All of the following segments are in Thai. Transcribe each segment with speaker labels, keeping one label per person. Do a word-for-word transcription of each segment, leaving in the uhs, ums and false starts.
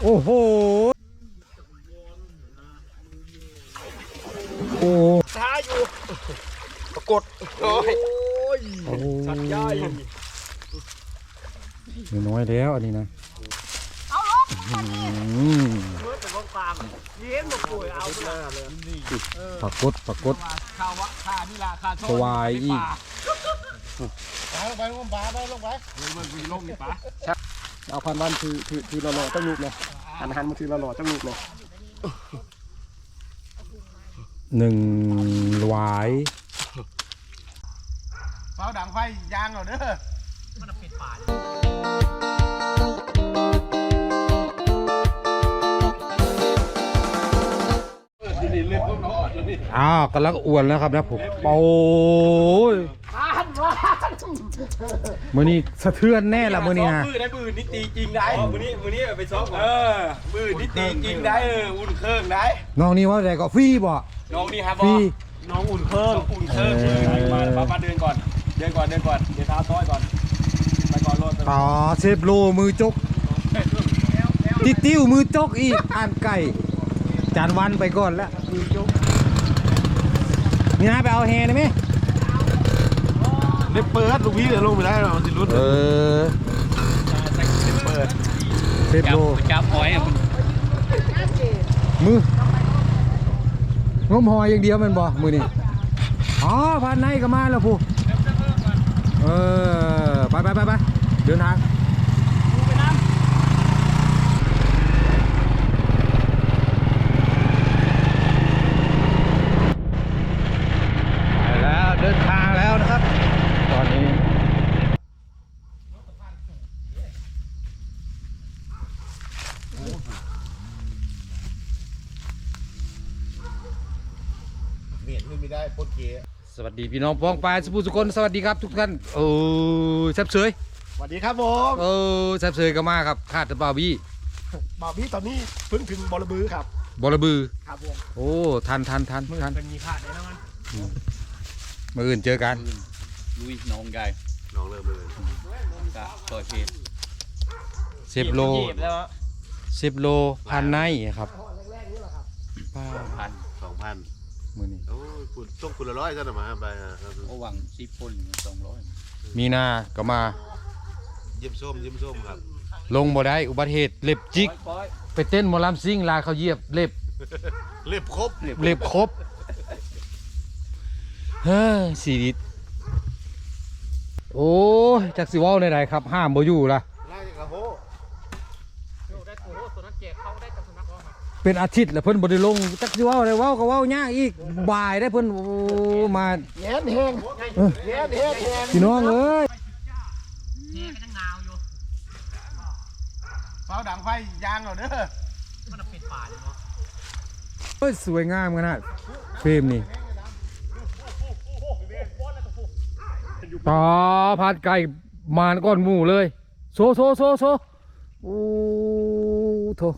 Speaker 1: โอ้โหโอ้
Speaker 2: ท้าอยู่ปรากฏโอ้ยสัตว์ใหญ่
Speaker 1: น้อยแล้วอันนี้นะ
Speaker 3: เอาลงมาดิ
Speaker 2: เมื่อแต่ว่าฟาร์มเย็นหมดป่วยเอาเลย
Speaker 1: ปรากฏปรากฏ
Speaker 2: ข้าวะข้านี่ละข้าชอบ
Speaker 1: สวายอีก
Speaker 2: ปลาลงไปลงปลาไปลงไปมันมีลงนี่ปลา
Speaker 4: เอาพันวันคือคือคือหล่อๆต้องลูกเลยหันหันมาคือหล่อๆต้องลูกเลย
Speaker 1: หนึ่งหวาย
Speaker 2: เฝ้าดังไฟยางเหรอเด้อมันปิดป่า
Speaker 1: อ้าวกำลังอ้วนแล้วครับนะผมโอ้ยมือนี้สะเทือนแน่ละมือนี้นะ
Speaker 2: มือได้มือนี่ตีจริงได้มือนี้มือนี้ไปซ้อมเออมือนี่ตีจริงได้เอออุ่นเครื่องได้
Speaker 1: น้องนี่ว่าอะไรก็ฟรีบ่
Speaker 2: น้องนี่ครับ
Speaker 1: ฟรี
Speaker 2: น้องอุ่นเครื่องอุ่นเครื่องมามามาเดินก่อนเดินก่อนเดินก่อนเดินเท้าซ้อยก่อนไปก่อนรถ
Speaker 1: ต่อเซฟโลมือจกติติ้วมือจกอีกอ่านไก่จานวันไปก่อนแล้วมือจกนี่นะไปเอาแฮได้ไหม
Speaker 2: เล็บเปิดลูกพี่เดี๋ยวลงไปได้หรอมันสิรุด
Speaker 1: เออ
Speaker 2: เปิด
Speaker 1: เซฟโล
Speaker 2: จับหอย
Speaker 1: มืองมหอยอย่างเดียวมันบ่มือนี่อ๋อพันในก็มาแล้วผู้เออไปไปไปไปเดินทางไปแล้วเดินทางแล้วนะครับตอนนี้
Speaker 2: เมียนไม่ได้ปนเกะ
Speaker 1: สวัสดีพี่น้องป้องปลายสุภุสุคนสวัสดีครับทุกท่านโอ้แซ่บเฉย
Speaker 2: สวัสดีครับผม
Speaker 1: เออแซ่บเฉยก็มาครับคาดแต่บ่าวบี้
Speaker 2: บ่าวบี้ตอนนี้เพิ่งถึงบอระบือครับ
Speaker 1: บอระบือ
Speaker 2: ครับผม
Speaker 1: โอ้ทันทันทันทัน
Speaker 2: เป็นมีพลาดแน่นอน
Speaker 1: เมื่ออื่นเจอกัน
Speaker 5: ลุยน้องใหญ่
Speaker 2: น้องเริ่มเลย
Speaker 5: จะต่อยเพจ
Speaker 1: สิบโลสิบโลพันในครับ
Speaker 5: พัน
Speaker 2: สองพัน
Speaker 1: มือนี้
Speaker 2: โอ้ยคุณต้องคุณละร้อยซะหน่อยมาไป
Speaker 5: โอ้หวังสิบคนสองร้อย
Speaker 1: มีนาก็มา
Speaker 2: เยี่ยมส้มเยี่ยมส้มครับ
Speaker 1: ลงบ่ได้อุบัติเหตุเล็บจิกไปเต้นหมอลำซิ่งลาเขาเหยียบเล็บ
Speaker 2: เล็บครบ
Speaker 1: เล็บครบเฮ้ยสีดิโอ้ยจักสิว่าวในไหนครับห้ามบ่อยู่ล่ะเป็นอาทิตย์แล้วเพิ่นบ่ได้ลงจักสิว่าวได้ว่าวก็ว่าวยากอีกบ่ายได้เพิ่นมา
Speaker 2: แย่แห้งแย่แห้งแห้ง
Speaker 1: พี่น้องเอ้ย
Speaker 3: แห่ก็ยังหนาวอยู่
Speaker 2: เฝ้าดังไฟยางเหรอเด้อ
Speaker 3: มันปิดป่าเลยเนาะ
Speaker 1: เฮ้ยสวยงามขนาดเฟรมนี่ต่อพัดไก่มานก้อนหมูเลยโซโซโซโซโอ้โถ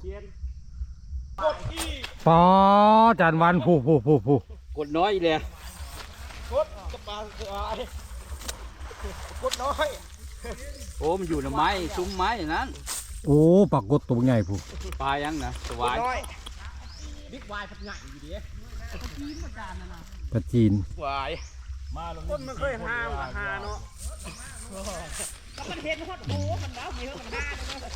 Speaker 1: ปอจานวันผู้ผู้ผู้ผู้
Speaker 5: กดน้อยเลย
Speaker 2: กดกระปาสวายกดน้อย
Speaker 5: โอ้มันอยู่ในไม้ซุ้มไม้อย่างนั้น
Speaker 1: โอ้ปากกดตัวใหญ่ผู้
Speaker 5: ปลายังนะสวาย
Speaker 3: บิ๊กวายพัดใหญ่อยู่ดีจีนประจานนะนะ
Speaker 1: ปลาจีน
Speaker 2: วายมาลงคนมันเคยห้ามกับหาเนาะ
Speaker 3: แล้วมันเห็นฮอดโอ้มันแล้วมีเท่ากันห้า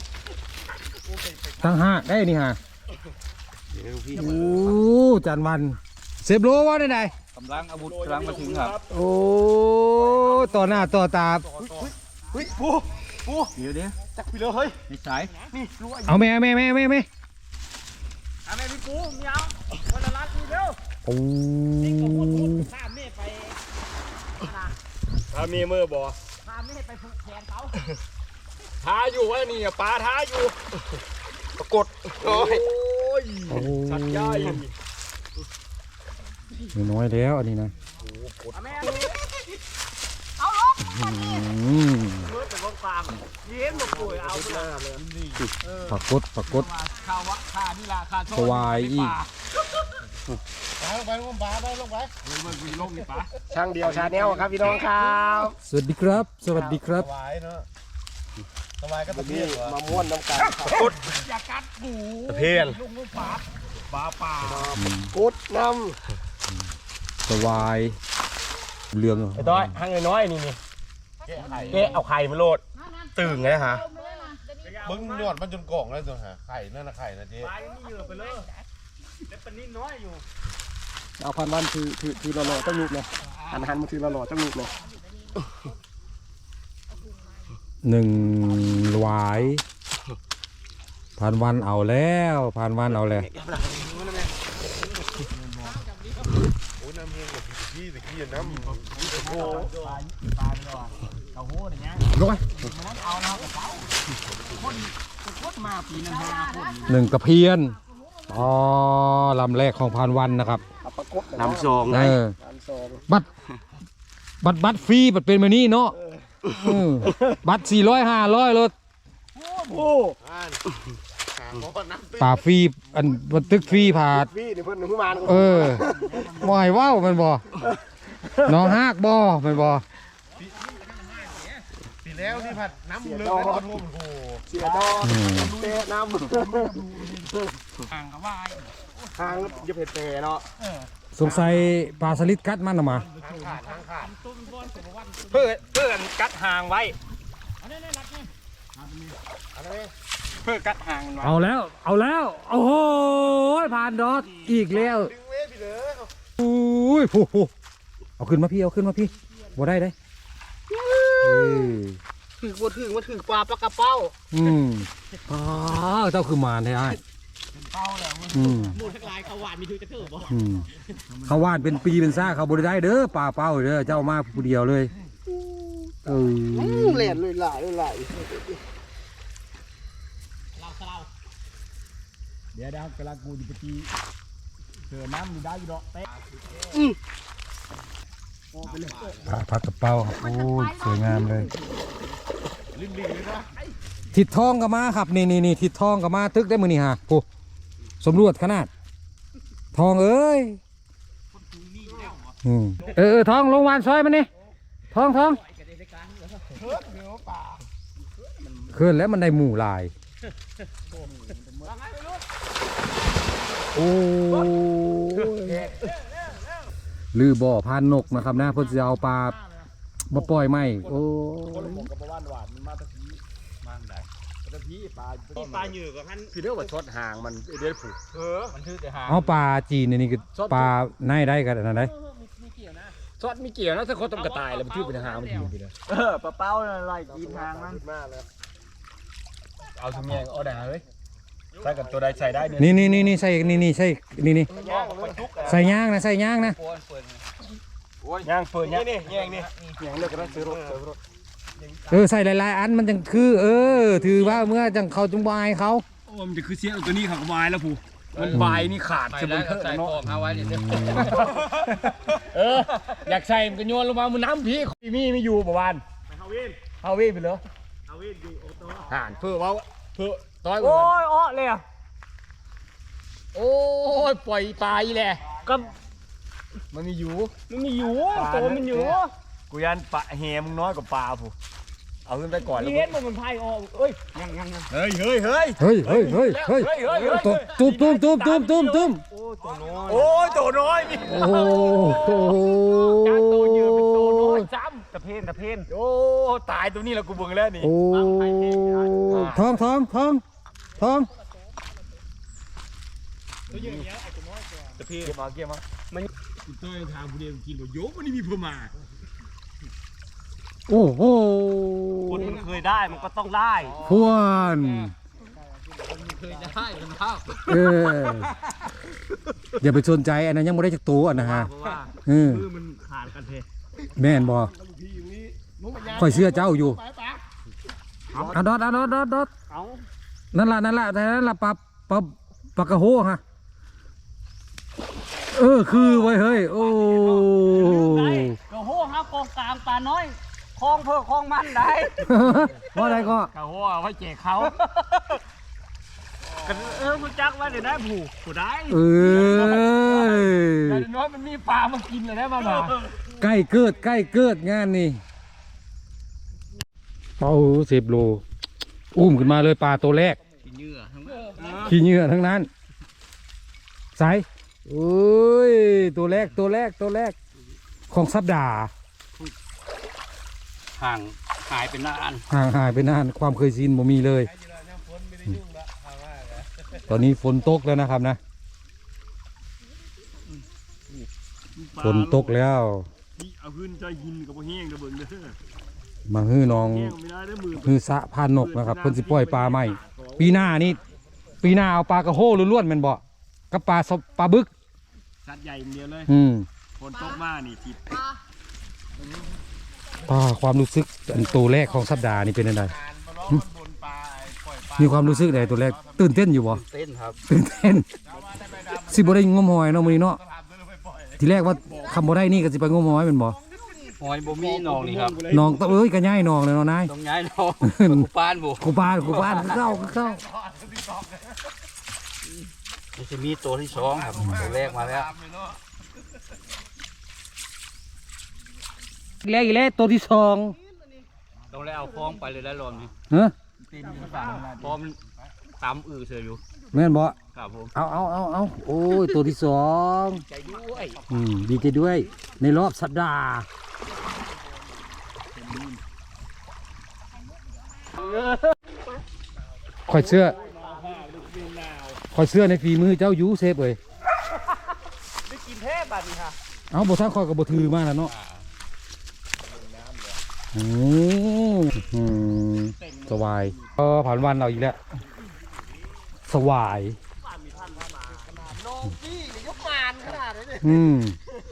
Speaker 1: ตั้งห้าได้นี่ฮะโอ้จานวันเซฟโลว่าได้ไหน
Speaker 5: กำลังอาวุธกำลังมาถึงครับ
Speaker 1: โอ้ต่อหน้าต่อตา
Speaker 2: เฮ้ยปูปู
Speaker 5: เดี๋ยวเดี๋ยว
Speaker 2: จักไปเลยเฮ้ย
Speaker 5: ไม่สาย
Speaker 2: นี่รู้
Speaker 1: เอาแม่แม่แม่แม่แม่
Speaker 3: เอาแม่พี่ปูมีเอาวันละล้านทีเดียว
Speaker 1: โอ้
Speaker 3: นี่ก็พูดพูดข้ามเมฆไป
Speaker 2: พาเมียเมื่อบ่
Speaker 3: ข้ามเมฆไปผูกแขนเขา
Speaker 2: ท้าอยู่ว่านี่ปลาท้าอยู่ปรากฏโอ้ยสัตว์ใหญ่
Speaker 1: น้อยแล้วอันนี้นะ
Speaker 3: เอาลงมาดิ
Speaker 2: เมื่อแต่ว่าฟาร์มเย็นหมดป่วยเอาเลย
Speaker 1: ปรากฏปรากฏ
Speaker 2: ข้าวะข้านี่ละข้าชอบ
Speaker 1: สวายอีก
Speaker 2: ลงไปลงไปไปลงไปมันมีลงนี่ปะ
Speaker 4: ช่างเดียวชาแนลครับพี่น้องครับ
Speaker 1: สวัสดีครับสวัสดีครับ
Speaker 2: สบายก็ตะเพี
Speaker 4: นี่
Speaker 2: ยน
Speaker 4: มาม้วนน้ำกัน
Speaker 2: กด
Speaker 3: อย่ากัดกู
Speaker 2: ตะเพียน
Speaker 3: ลุงลูกปลาปลาป่า
Speaker 4: กดน้
Speaker 1: สวายเรื่อง
Speaker 2: ไอ้ต้อยหั่งน้อยๆนี่นี่เอ๊ะเอาไข่มาโลดตึงไงฮะ
Speaker 6: มึงยอดมันจนกล่องแล้วตัวหาไข่นั่นนะไข่นะเจ๊
Speaker 2: ปลายังไม่เยอะไปเลยเล็บปนิดน้อยอยู่
Speaker 4: ำเอาพันวันคือคือคือรอๆต้องลุกเลยหันหันมาคือรอๆต้องลุกเลย
Speaker 1: หนึ่งหวายผ่านวันเอาแล้วผ่านวันเอาแล้ว
Speaker 6: โอ้น้ำเฮงกับพี่ตะกี้น้ำโอ้
Speaker 3: ปลาไปก่อนเต้าหู้อย่างเงี้ย
Speaker 1: ร้อย
Speaker 3: มันนั้นเอาแล้วกับเขาคนคนมาปีนั้นห้าคน
Speaker 1: หนึ่งตะเพียนอ๋อลำแรกของผ่านวันนะครับ
Speaker 4: เอาประกบ
Speaker 2: น้ำซอง
Speaker 1: เออ
Speaker 4: น้ำซอง
Speaker 1: บัตรบัตรบัตรฟรีบัตรเป็นแบบนี้เนาะเออบัตรสี่ร้อยห้าร้อยรถ
Speaker 4: โอ้
Speaker 6: อ่านหาหมอน้ำตื้น
Speaker 1: ป่าฟรีอันบันทึกฟรีผ่า
Speaker 4: พี่นี่เพิ่นเพิ่งมา
Speaker 1: เออบ่ให้เว้ามันบ่น้องฮากบ่มันบ่
Speaker 6: ปีแล้วที่ผัดน้ำเลือดแล้วก็ท่วมโอ้โห
Speaker 4: เสียดอกเตะน้ำ
Speaker 3: ห่างกับว่าย
Speaker 4: ทางจะเผ็ดเตะเนาะ
Speaker 1: สงสัยปลาสลิดกัดมันออกมา
Speaker 6: ทางขาดทางขาด
Speaker 2: เพื่อเพื่อกันกัดหางไว้
Speaker 6: อะไร
Speaker 2: เพื่อกัดหางมันไว้
Speaker 1: เอาแล้ว เอาแล้วโอ้โหผ่านดอทอีกแล้ว
Speaker 6: ดึงเว้ยพี่เหลือ
Speaker 1: อุ้ยผู้ผู้เอาขึ้นมาพี่เอาขึ้นมาพี่บ่ได้ได้เออ
Speaker 3: ถือว่าถือว่าถือปลาปลากระเป้า
Speaker 1: อืมอ๋อเจ้าคือมารแท้ไอ้
Speaker 3: เป้าแล้ว
Speaker 1: อืม
Speaker 3: มูลทั้งลายเขาหวานมีถือจะถือบ่
Speaker 1: อืมเขาวาดเป็นปีเป็นซ่าเขาบ่ได้เด้อปลาเป้าเด้อเจ้ามาผู้เดียวเลยเออ
Speaker 4: เล่นเลยหลายเลยหลาย
Speaker 3: เราเรา
Speaker 2: เดี๋ยวเดี๋ยวกำลังกูจะไปตีเสือน้ำอยู่ได้อยู่ดอกเต้
Speaker 1: ปลาผักกระเป๋าครับโอ้ยสวยงามเลยทิดทองก็มาครับนี่นี่นี่ทิดทองก็มาตึกได้มือนี่ฮะโอ้สำรวจขนาด ทองเอ้ยอืมเออเออทองลงวานซอยมันนี่ทองทองเคลื่อนแล้วมันได้หมู่หลายโอ้ยลือบ่อพานนกนะครับนะเพื่อจะเอาปลามาปล่อยไหมโอ้ย
Speaker 2: กับบ้านหวานมันมาตะพีมาไหนตะพีปลา
Speaker 3: ที่ปลาเหยื่อกับท่าน
Speaker 2: คือเรียกว่าช็อตหางมันเดือดผูกเออมันคือแต่หาง
Speaker 1: เอาปลาจีนนี่นี่คือปลาในได้กันอันนั้นได้
Speaker 2: ช็อตมีเกี่ยวนะถ้าเขาต้องกระต่ายแล้วมันชื่อเป็นหางมันอยู่ไปเลย
Speaker 5: เออปลาเป้าอะไรกินทางมัน
Speaker 4: มากเลย
Speaker 2: เอาถุงแยงเอาด่าเลยใส่กับตัวใดใส่ได้เนี่ย
Speaker 1: นี่นี่นี่นี่ใส่นี่นี่ใส่นี่นี่ใส่ย่างนะใส่ย่างนะ
Speaker 5: โอนเปิด
Speaker 2: ย่างเฟิร์นย่างนี่แยงนี่
Speaker 4: อย่างเลิกกันซื้อรถซื้อรถ
Speaker 1: เออใส่หลายๆอันมันจังคือ เออ ถือว่าเมื่อจังเขาจงบายเขา
Speaker 2: โอ้มันจะคือเสียเอาตัวนี้ขังวายแล้วผูมันวายนี่ขาด
Speaker 5: ไป
Speaker 2: จะ
Speaker 5: แล้
Speaker 2: เป็
Speaker 5: วน ก็
Speaker 2: เพื่อน
Speaker 5: ใส่
Speaker 2: เนาะ
Speaker 5: ฟองเอาไว้เนี่ย
Speaker 2: เอออยากใส่มันก็โยนลงมามันน้ำพี่มีไม่อยู่ประวานเฮาวินเฮาวินไปเลยเฮาวินอยู่โอโต้ห่านเพื่อว่าเพื่อต้อยโอ้ยอ้อเลยอ่ะโอ้ยปล่อยปลาอีแหละก็มันมีอยู่มันมีอยู่ตัวมันอยู่กูยันปลาแหมึงน้อยกว่าปลาผู้เอาขึ้นไปก่อนแล้ว
Speaker 3: เห็นมันมันพายออกเอ้ย
Speaker 2: เฮ้ยเฮ้ยเฮ้ย
Speaker 1: เฮ้ยเฮ้ยเฮ้ยเฮ้ย
Speaker 2: เฮ้ยเฮ้ยเฮ้ย
Speaker 1: ตุ้มตุ้มตุ้มตุ้มตุ้มตุ้ม
Speaker 2: โอ้ยตัวน้อยมี
Speaker 1: โอ้โห
Speaker 2: จากตัวเยอะเป็นตัวน้อยซ้ำตะเพนตะเพนโอ้ตายตัวนี้แล้วกูเบิ่งแล้วนี่
Speaker 1: โอ้ทองทองทองทอง
Speaker 2: ตะเพนเก็บมาเก็บมามันตัวทางผู้เดียวกินบ่โยกมันนี่มีเพิ่มมา
Speaker 1: โอ้โห
Speaker 3: คนมันเคยได้มันก็ต้องได้
Speaker 1: พวน
Speaker 5: เคยได้เป็นข้าว
Speaker 1: เอออย่าไปสนใจอันนั้นยังไม่ได้จากตัวอันนะฮะ
Speaker 3: เพราะว่า
Speaker 1: เออ
Speaker 3: มือมันขาดกันเท
Speaker 1: แม่นบ่คอยเชื่อเจ้าอยู่เอาดอดเอาดอดดอดดอด
Speaker 3: เอา
Speaker 1: นั่นล่ะนั่นล่ะแต่นั่นล่ะปลาปลาปลากระโหฮะเออคือไว้เฮ้ยโอ้
Speaker 3: กระโหครับกองกลางปลาน้อยคลองเพื่อคลองมันได้
Speaker 1: ว่าอะไรก็
Speaker 2: เขาว่าไว้แจกเขา
Speaker 3: เออคุณจักว่าเดี๋ยวได้ผูกผูได้
Speaker 1: เออ
Speaker 2: แต่น้อยมันมีปลามากินเลยได้มาบ่า
Speaker 1: ใกล้เกิดใกล้เกิดงานนี่เป้าสิบโลอุ้มขึ้นมาเลยปลาตัวแรก
Speaker 3: กินเหยื่อทั้งนั้น
Speaker 1: ขี้เหงื่อทั้งนั้นใส่โอ้ยตัวแรกตัวแรกตัวแรกของสัปดาห์
Speaker 3: ห่างหายเป็นนาน
Speaker 1: ห่างหายไปนานความเคยชินบ่มีเลย ตอนนี้ฝนตกแล้วนะครับนะฝนตกแล้ว
Speaker 2: นี่เอาขึ้นใจหินกับบ่แห้งเด้อเบิ่งเด้อ
Speaker 1: มาฮื้อน้อง
Speaker 2: แห้งไม่ได้เด้อมือ
Speaker 1: ฮื้อสะพานนกนะครับเพิ่นสิปล่อยปลาใหม่ปีหน้านี่ปีหน้าเอาปลากระโห้ล้วนๆแม่นบ่กับปลาสบปลาบึก
Speaker 2: สัตว์ใหญ่อย่างเดียวเลย
Speaker 1: อืม
Speaker 2: ฝนตกมานี่สิ
Speaker 1: ปลาความรู้สึกอันตัวแรกของสัปดาห์นี่เป็นยังไงหึมีความรู้สึกใดตัวแรกตื่นเต้นอยู่บ่
Speaker 3: เต้นครับ
Speaker 1: ตื่นเต้นสิบ่ได้งมหอยเนาะมื้อนี้เนาะทีแรกว่าคำบ่ได้นี่ก็สิไปงมหอยแม่นบ่
Speaker 3: หอยบ่มีหนองนี่ครับ
Speaker 1: น้องตะเอ้ยก็ย้ายน้องเลยเนาะนาย
Speaker 3: ต้องย้ายหนองกูปานบ่
Speaker 1: กูปานกูปานกูเข้ากูเข้า
Speaker 3: มันจะมีตัวที่สองครับตัวแรกมาแล้ว
Speaker 1: แรกอีกแล้วตัวที่สอง
Speaker 3: ต้องแล้วเอาคล้องไปเลยได้รอบนี้
Speaker 1: ฮะ
Speaker 3: พอมันตำอือเสืออยู่
Speaker 1: แม่นบ่
Speaker 3: ครับผม
Speaker 1: เอาเอาเอาเอาโอ้ยตัวที่สอง
Speaker 3: ใจด้วย
Speaker 1: อืมดีใจด้วยในรอบสัปดาห์คอยเชื่อคอยเชื่อในฝีมือเจ้ายูเซฟเอ้ย
Speaker 5: ได้กินแท้บัดนี้ค่ะ
Speaker 1: เอาบททางคอยกับบทถือมาแล้วเนาะอืมอืมสวายเออผ่านวันเราอีกแล้วสวาย
Speaker 5: น้องพี่นี่ยกมานขนาดนี้เลย
Speaker 1: อืม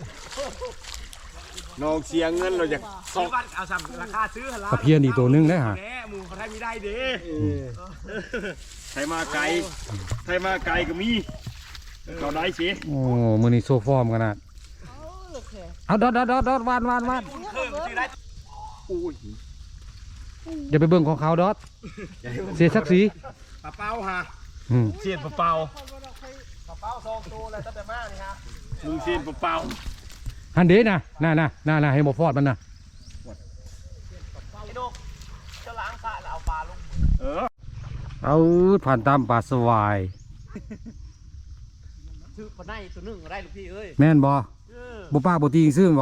Speaker 2: น้องเสียเงินเราจะสองเอาซ้ำราคาซื้อหั่นล่ะ
Speaker 1: ตะเพียนอีกตัวหนึงได้ฮะ
Speaker 2: แหน่หมูเขาไทยมีได้เด้ไทยมาไกลไทยมาไกลก็มีเขาได้สิ
Speaker 1: โอ้มือนี้โซฟอร์มขนาดเอาดอดดอดดอดดอดวานวานวาน
Speaker 2: อุ้ย
Speaker 1: อย่าไปเบิ่งของเขาดอดเสียศักดิ์ศรี
Speaker 2: ปลาเป้าฮะ
Speaker 1: อืม
Speaker 2: เสียนปลาเป้า
Speaker 5: เป้าซองตัวอะไรตั้งแต่มานี่ฮะ
Speaker 2: มึงเสียนปลาเป้า
Speaker 1: ฮันเดนะน่าน่ะน่าน่ะให้หมอฟอดมันนะ
Speaker 5: ไอ้ดกจะล้างสระแล้วเอาปลาลง
Speaker 2: เออ
Speaker 1: เอาผ่านตามป่าสวาย
Speaker 5: ถือปลาในตัวหนึ่งก็ได้ลูกพี่เอ้ย
Speaker 1: แม่นบ่
Speaker 5: เออ
Speaker 1: บ่ป้าบ่ตีซื่อบ่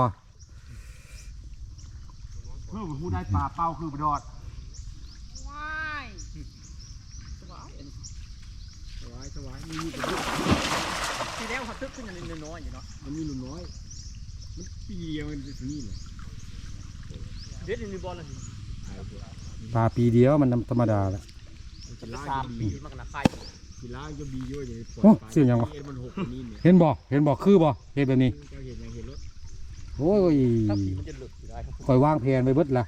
Speaker 2: เพื่อผู้ได้ปลาเป้าคือปลาดอด
Speaker 5: ว้ายสบายสบายสบายมีมีตัวทีแล้วเขาตึกขึ้นอย่างนิดน้อยอยู่เนาะ
Speaker 2: มันมีหนุ่มน้อยมันปีเดียวมันจะนี่แหละ
Speaker 5: เด็ดในบอลเลย
Speaker 1: ปลาปีเดียวมันธรรมดาแหละ
Speaker 5: จะสามปีมันกันนะใคร
Speaker 2: กีฬาจะบีเยอะอย่างนี้
Speaker 1: โอ้เสียงยังวะ
Speaker 2: เอ็นมันหกนี่เนี่ย
Speaker 1: เห็นบ่เห็นบ่คือบ่เฮ็ดแบบนี้
Speaker 2: เจ้าเห็นยังเห็นรถ
Speaker 1: โอ้ย
Speaker 5: ถ้าผีมันจะหลุดอยู่ได้ครับ
Speaker 1: คอยวางแผนไว้เบิดละ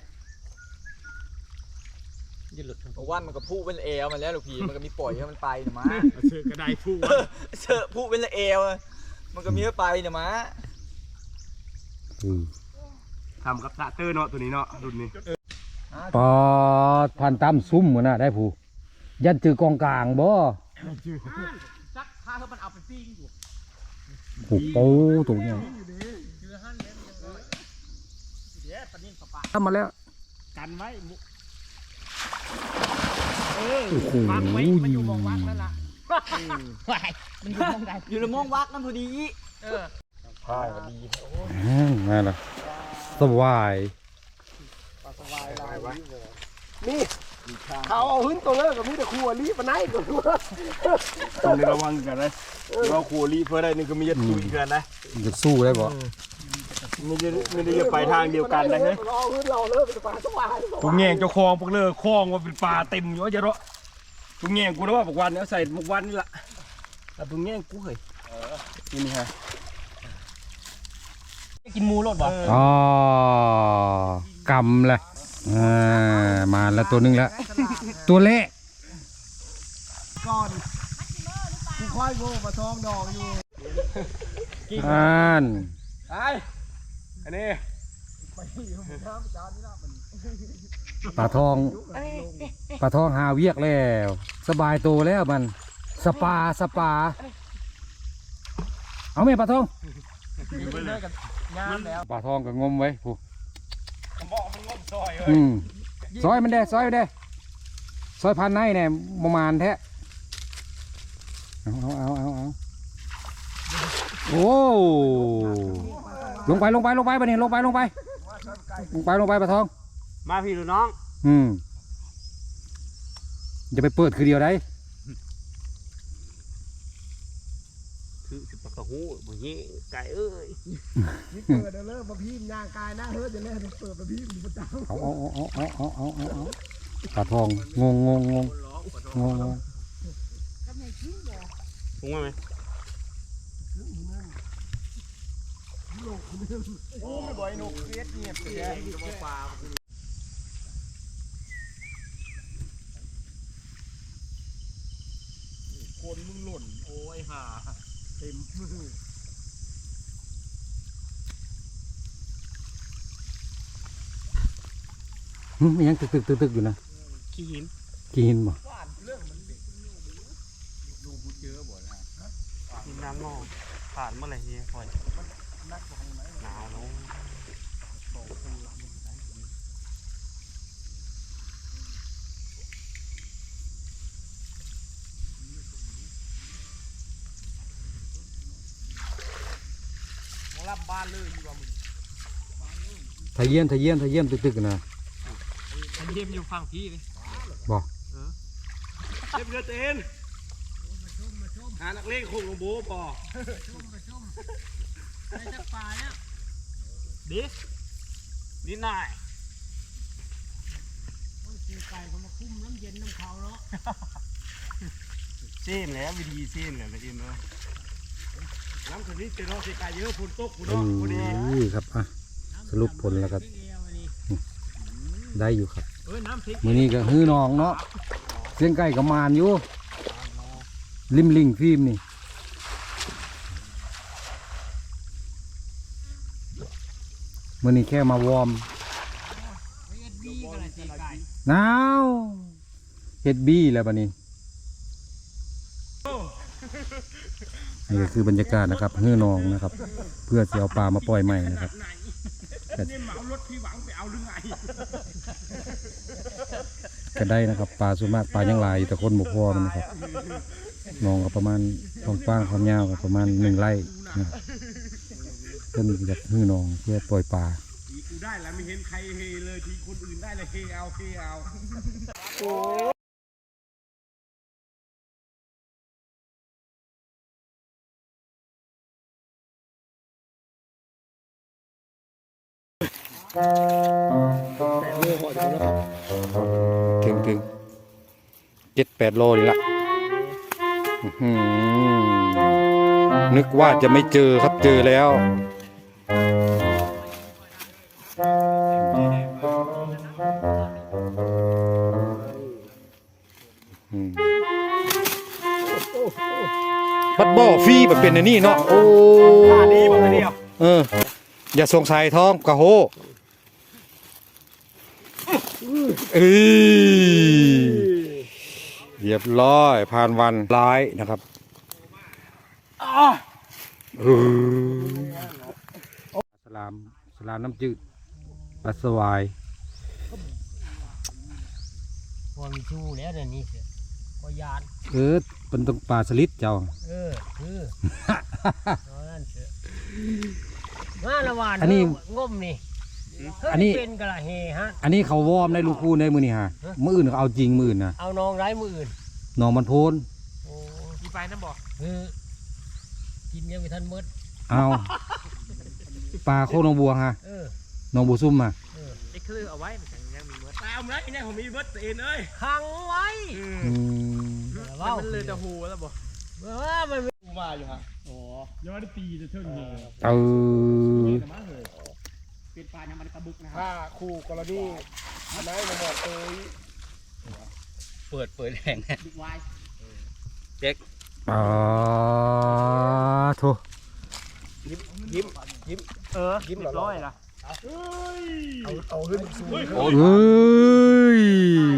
Speaker 5: จะหลุดทั้ง
Speaker 7: เพราะว่ามันก็พูเป็นเอวมันแล้วลูกพี่มันก็มีปล่อยให้มันไปเนี่ยมา
Speaker 2: เชือกกระไดผู้
Speaker 7: เชอะพูเป็นเอวอะมันก็มีให้ไปเนี่ยมา
Speaker 1: อืม
Speaker 2: ทำกับสะเตอร์เนาะตัวนี้เนาะรุ่นนี้
Speaker 1: ปอดผ่านตามซุ้มหัวหน้าได้ผู้ยันจือกองกลางบ่
Speaker 5: จักถ้าเขามันเอาไปปิ้งอยู่
Speaker 1: โอ้โหตัวเนี้ย
Speaker 5: เดือหันแล้วเดี๋ยวปลานิ่มปลา
Speaker 1: ทำมาแล้ว
Speaker 2: กันไว้
Speaker 5: เออ
Speaker 1: โอ้โห
Speaker 5: วางไว้มันอยู่มองวักนั่นล่ะวายมันอยู่มองใด
Speaker 7: อยู่ในมองวักนั่นพอดี
Speaker 5: เออ
Speaker 1: อืมนั่นล่ะสวาย
Speaker 4: เขาเอาหึ้นตัวเลิกกับมีแต่ครัวรีบมาไหนก่อนตัว
Speaker 2: ต้องในระวังกันนะเราขู่รีเพื่อได้นี่ก็มีจะตุยกันนะ
Speaker 1: จะสู้ได้บ่
Speaker 2: ไม่ได้ไม่ได้จะไปทางเดียวกันนะเฮ้ย
Speaker 4: เราเอาหึ้นเราเลิกเป็นปลาสวาย
Speaker 2: ทุกแง่งเจ้าคลองพวกเลิกคลองว่าเป็นปลาเต็มอยู่ว่าจะรอทุกแง่งกูนะว่าบอกวันเนี่ยใส่บอกวันนี่ละแต่ทุกแง่งกูเคยนี่นี่ฮะ
Speaker 5: กินหมูรถบ่
Speaker 1: อ๋อกำเลยอ่ามาแล้วตัวหนึงแล้วตัวเละ
Speaker 4: ก่อนกูค่อยโง่มาทองดอกอยู่
Speaker 1: อ่าน
Speaker 2: ไอ้อันนี้
Speaker 1: ปลาทองปลาทองหาเวียกแล้ว สบายตัวแล้วมันสปาสปาเอาไหมปลาทอง
Speaker 5: งามแล้ว
Speaker 1: ปลาทองก็งมไว้ผู้
Speaker 2: ผมบอกมันงมซอยเลย
Speaker 1: อืมซอยมันได้ซอยมันได้ซอยพันในเนี่ยประมาณแท้เอาเอาเอาเอาเอาโอ้ลงไปลงไปลงไปไปนี่ลงไปลงไปลงไปลงไปปลาทอง
Speaker 2: มาพี่ดูน้อง
Speaker 1: อืมจะไปเปิดคือเดียวได้
Speaker 2: คือสิปากกระหูบ่เงี้ไก่เอ้ย
Speaker 4: นี่เปิดเริ่มมาพิมพ์ยางกายหน้าเฮ้ยจะเล่นเปิดมาพิมพ์ประจำ
Speaker 1: เอาเอาเอาเอาเอาเอาเอาเอาปลาทองงงงงงงงงง
Speaker 2: ปรุงมาไหม
Speaker 4: โอ้ไม่บ่อยหนุกเสียดเนี่ยเสีย
Speaker 2: คนมึงหล่นโอ้ยห่าเต็มมือ
Speaker 1: หึมันยังตึกตึกตึกตึกอยู่นะ
Speaker 2: ขี้หิน
Speaker 1: กินบ่
Speaker 2: หินน้ำนอกผ่านเมื่อไหร่เนี่ยคอยหนาวเนาะ
Speaker 5: รับบ้านเลยอยู่ว่ามึง
Speaker 1: ทะเยี่ยนทะเยี่ยนทะเยี่ยนตึกตึกนะ
Speaker 5: อันนี้มันอยู่ฝั่งพี่เลย
Speaker 1: บ่
Speaker 2: เจ็บเรือเต้นหานักเล่นคงลงโบ้ปอ
Speaker 5: ไอ้จักปลาเนี่ย
Speaker 2: ดินิดหน่อย
Speaker 5: ไก่เขามาคุ้มน้ำเย็นน้ำเขาเนาะ
Speaker 2: เส้นแล้ววิธีเส้นแล้วนะอินเนาะน้ำคืนนี้เจอเราเสียกายเยอะฝนตกฝน
Speaker 1: เอ
Speaker 2: ตกพอดี
Speaker 1: อครับอ่ะสรุปผลแล้วครับได้อยู่ครับ
Speaker 5: เออน้ำพริก
Speaker 1: มื้อนี้ก็ฮื้อน้องเนาะเสียงไก่กับมานอยู่ริมลิงฟิล์มนี่มื้อนี้แค่มาวอร์ม
Speaker 5: เอ็ดดีกันเลยเจ๊ไก่
Speaker 1: หนาวเฮ็ดบี้แล้วบัดนี้นี่ก็คือบรรยากาศนะครับฮื้อน้องนะครับ เพื่อจะเอาปลามาปล่อยใหม่นะครับ
Speaker 2: นี่เหมารถพี่หวังไปเอาหรือไง
Speaker 1: ก็ได้นะครับปลาส่วนมากปลายังหลายอยู่แต่คนบ่พอมันนะครับน้องก็ประมาณความกว้างความยาวก็ประมาณหนึ่งไร่นะครับเพิ่นอยากฮื้อน้องเพื่อปล่อยปลา
Speaker 2: กูได้แล้วไม่เห็นใครเฮเลยทีคนอื่นได้เลยเฮเอาเฮเอา
Speaker 1: ถึงถึงเจ็ดแปดโลนี่ละอื้อหือนึกว่าจะไม่เจอครับเจอแล้วอืมบัดบ่อฟรีแบบเป็นอันนี้เนาะโอ้
Speaker 2: ดีบอกเดียว
Speaker 1: เอออย่าสงสัยท้องกะโหเอ้ยเรียบร้อยผ่านวันร้ายนะครับเออสลามสลามน้ำจืดปลาสวาย
Speaker 5: พอมีชูแล้วเดี๋ยวนี้เสียพอยาน
Speaker 1: เออเป็นต้องปลาสลิดเจ้า
Speaker 5: เออคือเอานั่นเสียมาละวาน
Speaker 1: อันนี้
Speaker 5: งมนี่
Speaker 1: อันนี้
Speaker 5: เป็นกระเฮฮะ
Speaker 1: อันนี้เขาวอร์มในลูกคู่ในมือนี่ฮะมืออื่นเขาเอาจริงมืออื่นนะ
Speaker 5: เอาน้องไร้มืออื่น
Speaker 1: น้องมันโพน
Speaker 5: โอ้มีไฟน้ำบ่คือกินยังไม่ทันหมด
Speaker 1: เอาปลาโคน้องบัวฮะ
Speaker 5: เออ
Speaker 1: น้องบัวซุ่มมา
Speaker 5: เออไอ้คือเอาไว้มันยังมีหมด
Speaker 2: ตามแล้วไอ้เนี่ยผมมีเบิร์ตเอ็นเอ้ย
Speaker 5: ขังไว้
Speaker 1: อืม
Speaker 5: ว่ามันเลยจะหูแล้วบ่ว่ามัน
Speaker 4: กูมาอยู่ฮะ
Speaker 2: ยังไม่ได้ตีจะเท่านี้
Speaker 1: เออ
Speaker 5: เป็นปลายังมันกระบุกนะ
Speaker 4: ถ้าคู่กรณีอันไหนมาบอกตัว
Speaker 3: เปิดเปิดแรง
Speaker 5: บิ๊กไวน์
Speaker 1: อ๋อโถ
Speaker 4: ยิ้มยิ้มยิ้ม
Speaker 5: เออยิ้มร้อยละ
Speaker 4: เอาเอาขึ้นสูง
Speaker 1: เอ้ย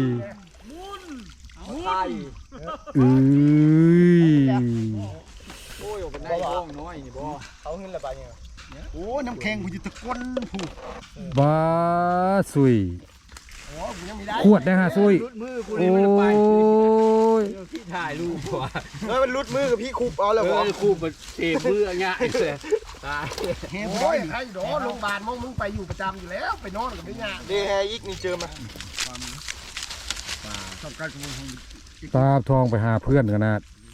Speaker 4: ใช่
Speaker 1: เอ้ย
Speaker 4: โอ้ยเป็นได้บ้องน้อยนี่บ่เอาขึ้นละบาดเนี่ยโอ้น้ำแข็งกูจะตะก้นผู
Speaker 1: บ้าสุย
Speaker 4: เ
Speaker 1: ขวดได้ฮะซุย
Speaker 2: มือกู
Speaker 1: โอ้
Speaker 2: นี่มันไป
Speaker 1: ย
Speaker 2: พี่ถ่ายรูปว่ะ
Speaker 4: เฮ้ยมันลุดมือกับพี่คุบเอาแล้ว
Speaker 2: เอ
Speaker 4: บ่
Speaker 2: อคู่มันเทมือง่ายเลยตาย
Speaker 4: โอ้ยใครดอโรงพยาบาลมึงมึงไปอยู่ประจำอยู่แล้วไปนอนกับไม่ยากเดแฮอีกนี่เจอมา
Speaker 1: ตาทองไปหาเพื่อนกันนะ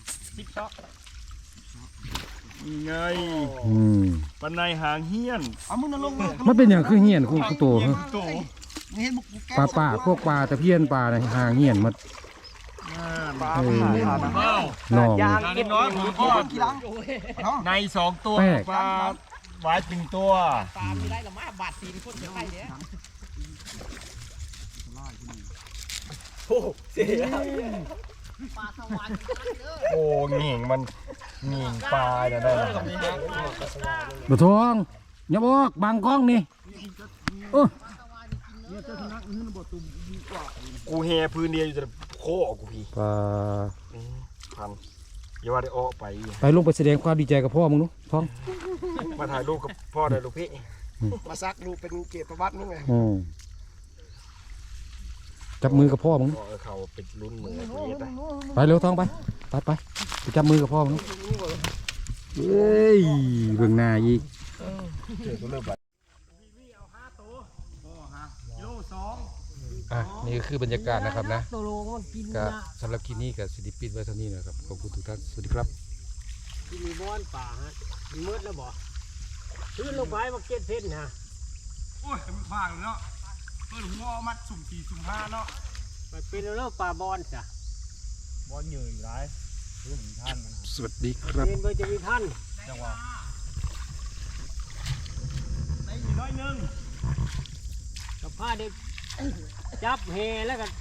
Speaker 6: ไง
Speaker 1: อืม
Speaker 6: ปันในหางเฮี้ยน
Speaker 4: เอามึงนั่งลงมือ
Speaker 1: มันเป็นอย่างคือเหียนคุณตัวฮะ
Speaker 6: โต
Speaker 4: นี่เห็นมึงกูแก้
Speaker 1: ปลาป่าพวกปลาตะเพียนปลาในหางเหียนมัน
Speaker 4: ปลา
Speaker 1: เออ
Speaker 6: เอ้า
Speaker 1: น้อง
Speaker 7: ยางเก็บ
Speaker 6: น้อยผมก็
Speaker 4: กี่ลัง
Speaker 6: ในสองตัว
Speaker 1: แป้ง
Speaker 6: ปลาหวายหนึ่งตัว
Speaker 5: ปลาไม่ได้หรอมาบาดตีนคนจะไปเด้อ ปลาสวรรค์เด้อ
Speaker 6: โอ้เหง่งมันเหง่งปลาเนี่ยได้
Speaker 1: บะทองอย่าบอกบางกล้องนี่โอ้
Speaker 6: กูแฮพื้นเดียวอยู่แต่โคกูพี่
Speaker 1: ปลา
Speaker 6: พันอย่าว่าได้อ้อไป
Speaker 1: ไปลงไปแสดงความดีใจกับพ่อมึงนุท้อง
Speaker 6: มาถ่ายรูปกับพ่อได้ลูกพี่
Speaker 4: มาซักดูเป็นเกียรติประวัติมึงไง
Speaker 1: อืมจับมือกับพ่อมึง
Speaker 6: พ่อเขาเป็นรุ่นเหมือนไอ้เย็ดนะ
Speaker 1: ไปเร็วท้องไปไปไปไปจับมือกับพ่อมึงเฮ้ยเบื้องหน้าอีกอ่ะนี่ก็คือบรรยากาศนะครับนะ
Speaker 3: ตัวโลมันกิน
Speaker 1: ก็
Speaker 3: นะ
Speaker 1: สำหรับคลิปนี้กับสิริปิดไว้เท่านี้นะครับขอบคุณทุกท่านสวัสดีครับ
Speaker 3: กินมีบ้อนป่าฮะมันมืดแล้วบ่ขึ้นลงไปมาเก็ตเพชรนะ
Speaker 6: โอ้ยมันฟางเนาะเปิดหัวมัดสุ่มสี่สุ่มห้าเนาะ
Speaker 3: ไปเป็นเรื่องป่าบอนจ้ะ
Speaker 6: บอลเหนื่อยร้ายรุ่นท่าน
Speaker 1: สวัสดีครับ
Speaker 3: เป็นไปจะมีท่าน
Speaker 6: จังหวะได้อยู่น้อยนึง
Speaker 3: กับผ้าเด็กจับเฮแล้วกัน